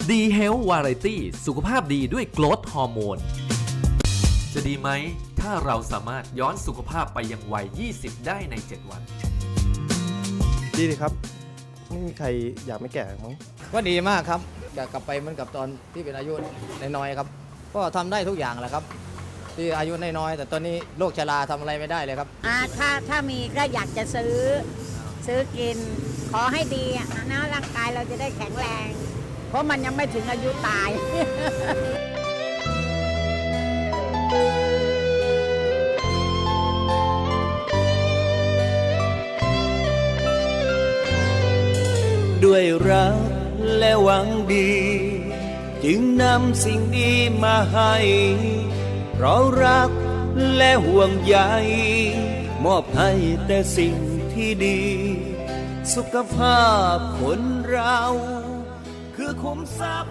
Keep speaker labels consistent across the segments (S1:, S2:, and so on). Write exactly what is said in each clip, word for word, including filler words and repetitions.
S1: ดี Health Variety สุขภาพดีด้วยโกรทฮอร์โมนจะดีไหมถ้าเราสามารถย้อนสุขภาพไปยังวัยยี่สิบได้ในเจ็ดวัน
S2: ดีดีครับไม่มีใครอยากไม่แก่มั้ง
S3: ก็ดีมากครับอยากกลับไปเหมือนกับตอนที่เป็นอายุน้อยๆครับก็ทำได้ทุกอย่างแหละครับที่อายุน้อยๆแต่ตอนนี้โรคชราทำอะไรไม่ได้เลยครับ
S4: อ่าถ้าถ้ามีก็อยากจะซื้อซื้อกินขอให้ดีนะร่างกายเราจะได้แข็งแรงเพราะมันยังไม่ถึงอายุตาย
S5: ด้วยรักและหวังดีจึงนำสิ่งดีมาให้เพราะรักและห่วงใยมอบให้แต่สิ่งที่ดีสุขภาพคนเราคือคุ้มทรัพย์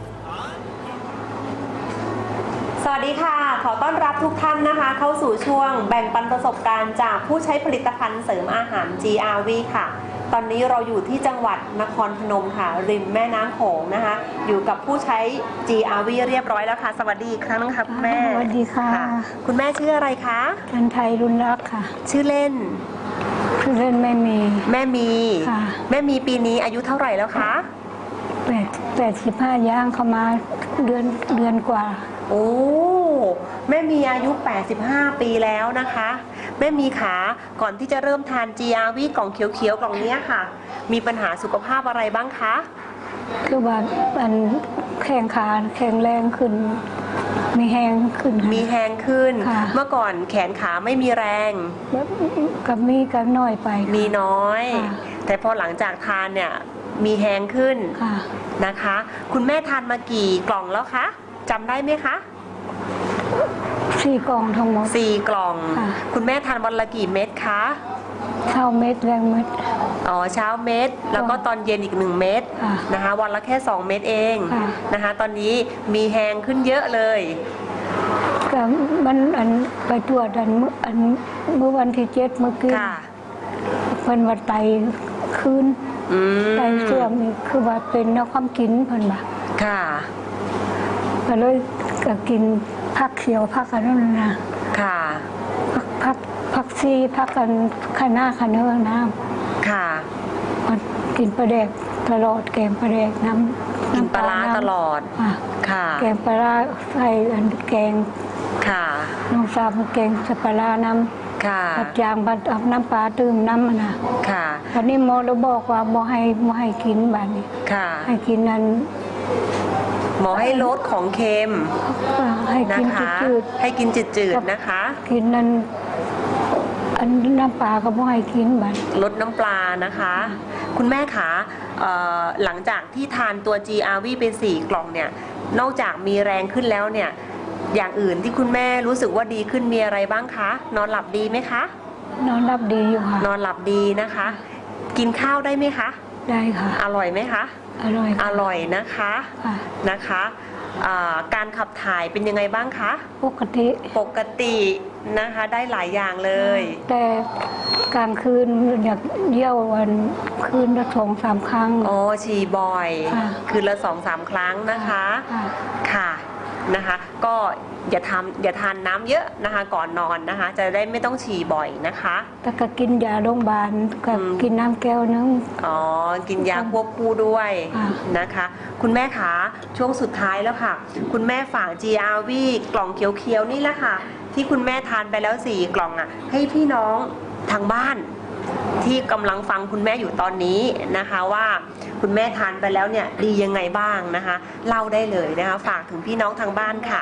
S6: สวัสดีค่ะขอต้อนรับทุกท่านนะคะเข้าสู่ช่วงแบ่งปันประสบการณ์จากผู้ใช้ผลิตภัณฑ์เสริมอาหาร จี อาร์ วี ค่ะตอนนี้เราอยู่ที่จังหวัดนครพนมค่ะริมแม่น้ำโขงนะคะอยู่กับผู้ใช้ จี อาร์ วี เรียบร้อยแล้วค่ะสวัสดีอีกครั้งนึงค่ะคุณแม่
S7: สวัสดีค่ะ
S6: คุณแม่ชื่ออะไรคะ
S7: จันไทยรุนรักค่ะ
S6: ชื่อเล่น
S7: ชื่อเล่นแม่มี
S6: แม่มีแม่มีปีนี้อายุเท่าไหร่แล้วคะ
S7: แปดแปดสิบห้าย่างเข้ามาเดือนเดือนกว่า
S6: โอ้แม่มีอายุแปดสิบห้าปีแล้วนะคะแม่มีขาก่อนที่จะเริ่มทาน จี อาร์ วี กล่องเขียวๆกล่องนี้ค่ะมีปัญหาสุขภาพอะไรบ้างคะ
S7: คือว่ามันแข็งขาแข็งแรงขึ้นมีแหงขึ้น
S6: มีแหงขึ้นเมื่อก่อนแขนขาไม่มีแรง
S7: กับมีกับน้อยไป
S6: มีน้อยแต่พอหลังจากทานเนี่ยมีแหงขึ้นนะคะคุณแม่ทานมากี่กล่องแล้วคะจำได้ไหมคะ
S7: สี่กล่องทั้งหมด
S6: สี่กล่องคุณแม่ทานวันละกี่เม็ดคะ
S7: เช้าเม็ดแรงเม็ด
S6: อ๋อเช้าเม็ดแล้วก็ตอนเย็นอีกหนึ่งเม็ดนะคะวันละแค่สองเม็ดเองนะคะตอนนี้มีแหงขึ้นเยอะเลย
S7: ก็มันอันไปตรวจอันอันเมื่อวันที่เจ็ดเมื่อกี้เพิ่นว่าไตขึ้นไตเสื่อมนี่คือว่าเป็นแนวความกินเพิ่นบ่
S6: ค่ะ
S7: ก็เลยก็กินผักเขียวผักกันนั่นนะ
S6: ค่ะ
S7: ผักผักผักซีผักกันข้าหน้าข้าเนื้อน้
S6: ำค่ะ
S7: กินปลาแดกตลอดแกงปลาแดกน้
S6: ำกินปลาตลอดค่ะ
S7: แกงปลาใส่อันแกง
S6: ค่ะ
S7: น้องสาวแกงใส่ปลาน้ำ
S6: ค่ะ
S7: ผัดยางผัดเอาน้ำปลาตื่มน้ำมันนะ
S6: ค่ะ
S7: วันนี้หมอเราบอกว่าบ่ให้บ่ให้กินแบบนี้
S6: ค่ะ
S7: ให้กินนั้น
S6: หมอให้ลดของเค็ม
S7: ให้กินจืด
S6: ให้กินจืดๆนะคะ
S7: กินนั้นอันน้ำปลาก็บ่ให้กินบัด
S6: ลดน้ำปลานะคะคุณแม่คะหลังจากที่ทานตัว จี อาร์ วี เป็นสี่กล่องเนี่ยนอกจากมีแรงขึ้นแล้วเนี่ยอย่างอื่นที่คุณแม่รู้สึกว่าดีขึ้นมีอะไรบ้างคะนอนหลับดีไหมคะ
S7: นอนหลับดีอยู่ค่ะ
S6: นอนหลับดีนะคะกินข้าวได้ไหมคะ
S7: ได้ค่ะ
S6: อร่อยไหมคะ
S7: อร่อย
S6: อร่อยนะคะนะคะการขับถ่ายเป็นยังไงบ้างคะ
S7: ปกติ
S6: ปกตินะคะได้หลายอย่างเลย
S7: แต่กลางคืนอยากเยี่ยววันคืนละสองสามครั้ง
S6: อ๋อฉี่บ่อยคืนละสองสามครั้งนะคะค่ะนะคะก็อย่าทำอย่าทานน้ำเยอะนะคะก่อนนอนนะคะจะได้ไม่ต้องฉี่บ่อยนะคะ
S7: แต่ก็กินยาโรงพยาบาลกับกินน้ำแก้วนึง
S6: อ๋อกินยาควบคู่ด้วยนะคะคุณแม่คะช่วงสุดท้ายแล้วค่ะคุณแม่ฝาก จี อาร์ วี กล่องเขียวๆนี่แหละค่ะที่คุณแม่ทานไปแล้วสี่กล่องอ่ะให้พี่น้องทางบ้านที่กำลังฟังคุณแม่อยู่ตอนนี้นะคะว่าคุณแม่ทานไปแล้วเนี่ยดียังไงบ้างนะคะเล่าได้เลยนะคะฝากถึงพี่น้องทางบ้านค่ะ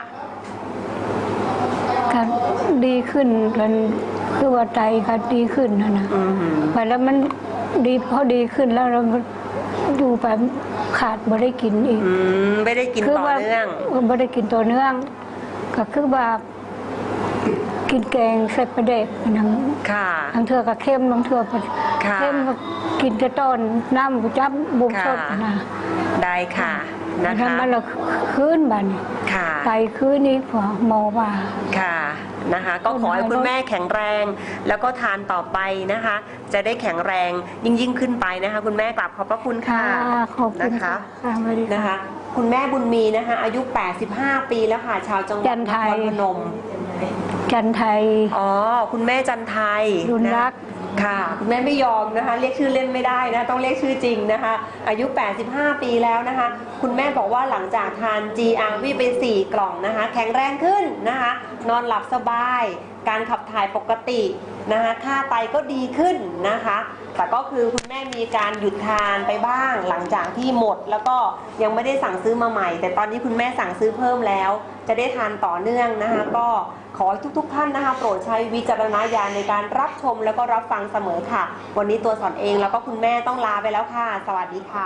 S7: ก็ดีขึ้นกันคือว่าใจก็ดีขึ้นนะนะไปแล้วมันดีพอดีขึ้นแล้วเราอยู่ไปขาดไม่ได้กินอีก
S6: ไม่ได้กินต่อเนื่อง
S7: ไม่ได้กินต่อเนื่องก็คือว่ากินแกงใส่ปลาแดกนั่งบางเถื่อก็เข้มบางเถื่อเข้มกินจะต้นน้ำจับบุกสดนะ
S6: ได้ค่ะนะคะ
S7: มันเราคืนบันไตคืนนี้พอหมอว่า
S6: ค่ะนะคะก็ขอให้คุณแม่แข็งแรงแล้วก็ทานต่อไปนะคะจะได้แข็งแรงยิ่งยิ่งขึ้นไปนะคะคุณแม่กราบขอบพระคุณค่ะ
S7: ขอบคุณ
S6: นะคะนะคะคุณแม่บุญมีนะคะอายุแปดสิบห้าปีแล้วค่ะชาวจังหวั
S7: จั
S6: ด
S7: น
S6: น
S7: ไท
S6: ค
S7: ย
S6: รพนม
S7: จันไทย
S6: อ๋อคุณแม่จันไทย
S7: รุน
S6: นะ
S7: รัก
S6: ค่ะคุณแม่ไม่ยอมนะคะเรียกชื่อเล่นไม่ได้นะต้องเรียกชื่อจริงนะคะอายุ แปดสิบห้า ปีแล้วนะคะ คุณแม่บอกว่าหลังจากทาน จี อาร์ วี ไปสี่กล่องนะคะแข็งแรงขึ้นนะคะนอนหลับสบาย การขับถ่ายปกตินะคะค่าไตก็ดีขึ้นนะคะแต่ก็คือคุณแม่มีการหยุดทานไปบ้างหลังจากที่หมดแล้วก็ยังไม่ได้สั่งซื้อมาใหม่ แต่ตอนนี้คุณแม่สั่งซื้อเพิ่มแล้ว จะได้ทานต่อเนื่องนะคะก็ขอให้ทุกๆท่านนะคะโปรดใช้วิจารณญาณในการรับชมแล้วก็รับฟังเสมอค่ะ วันนี้ตัวสอนเองแล้วก็คุณแม่ต้องลาไปแล้วค่ะ สวัสดีค่ะ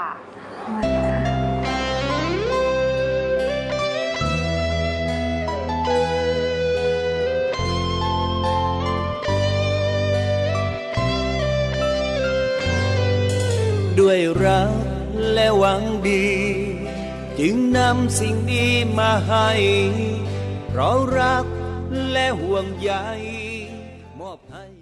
S5: ด้วยรักและหวังดี จึงนำสิ่งดีมาให้ เพราะรักและห่วงใยมอบให้